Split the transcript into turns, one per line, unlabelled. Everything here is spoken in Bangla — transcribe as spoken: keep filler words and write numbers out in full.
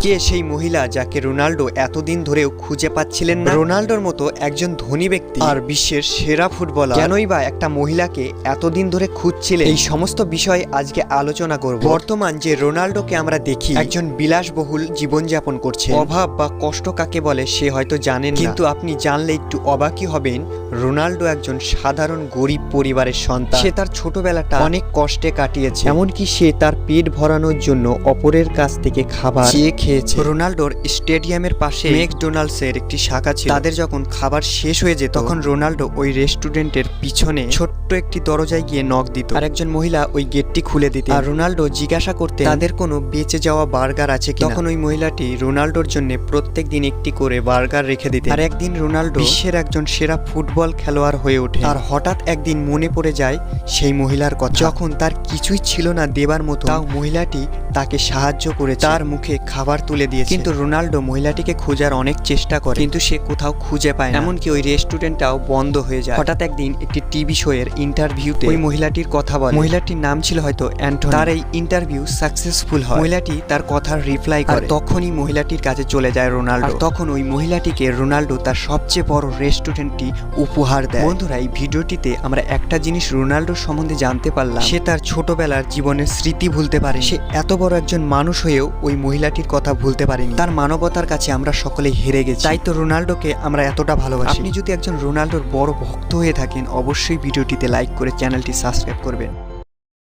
কে সেই মহিলা যাকে রোনাল্ডো এতদিন ধরেও খুঁজে পাচ্ছিলেন না? রোনাল্ডোর মতো একজন ধনী ব্যক্তি আর বিশ্বের সেরা ফুটবলার কেনই বা একটা মহিলাকে এতদিন ধরে খুঁজছিলেন, এই সমস্ত বিষয় আজকে আলোচনা করব। বর্তমান যে রোনাল্ডোকে আমরা দেখি একজন বিলাসবহুল জীবনযাপন করছে, অভাব বা কষ্ট কাকে বলে সে হয়তো জানেন, কিন্তু আপনি জানলে একটু অবাকই হবেন। রোনাল্ডো একজন সাধারণ গরিব পরিবারের সন্তান। সে তার ছোটবেলাটা অনেক কষ্টে কাটিয়েছে, এমনকি সে তার পেট ভরানোর জন্য অপরের কাছ থেকে খাবার চেয়ে খেয়েছে। রোনাল্ডোর স্টেডিয়ামের পাশে ম্যাকডোনাল্ডস এর একটি শাখা ছিল। তাদের যখন খাবার শেষ হয়ে যেত তখন রোনাল্ডো ওই রেস্টুরেন্টের পিছনে ছোট্ট একটি দরজায় গিয়ে নক দিত, আর একজন মহিলা ওই গেটটি খুলে দিত। আর রোনাল্ডো জিজ্ঞাসা করতে তাদের কোনো বেঁচে যাওয়া বার্গার আছে কিনা। তখন ওই মহিলাটি রোনাল্ডোর জন্য প্রত্যেক দিন একটি করে বার্গার রেখে দিত। আর একদিন রোনাল্ডো বিশ্বের একজন সেরা ফুটবল খেলোয়াড় হয়ে ওঠে। আর হঠাৎ একদিন মনে পড়ে যায় সেই মহিলার কথা। যখন তার কিছুই ছিল না দেবার মতো, তাও মহিলাটি তাকে সাহায্য করে তার মুখে খাবার তুলে দিয়েছে। কিন্তু রোনাল্ডো মহিলাটিকে খোঁজার অনেক চেষ্টা করে, কিন্তু সে কোথাও খুঁজে পায় না। এমনকি ওই রেস্টুরেন্টটাও বন্ধ হয়ে যায়। হঠাৎ একদিন একটি টিভি শো এর ইন্টারভিউতে ওই মহিলাটির কথা বলে। মহিলাটির নাম ছিল হয়তো অ্যান্টনি। তার এই ইন্টারভিউ সাকসেসফুল হয়। মহিলাটি তার কথার রিপ্লাই করে। তখনই মহিলাটির কাছে চলে যায় রোনাল্ডো। তখন ওই মহিলাটিকে রোনাল্ডো তার সবচেয়ে বড় রেস্টুরেন্টটি উপহার দেয়। বন্ধুরা, এই ভিডিওটিতে আমরা একটা জিনিস রোনাল্ডোর সম্বন্ধে জানতে পারলাম, সে তার ছোটবেলার জীবনের স্মৃতি ভুলতে পারে। সে এত বড় একজন মানুষ হয়েও ওই মহিলাটির কথা ভুলতে পারেনি। তার মানবতার কাছে আমরা সকলে হেরে গেছি। তাই তো রোনাল্ডোকে আমরা এতটা ভালোবাসি। আপনি যদি একজন রোনাল্ডোর বড় ভক্ত হয়ে থাকেন, অবশ্যই ভিডিওটিতে লাইক করে চ্যানেলটি সাবস্ক্রাইব করবেন।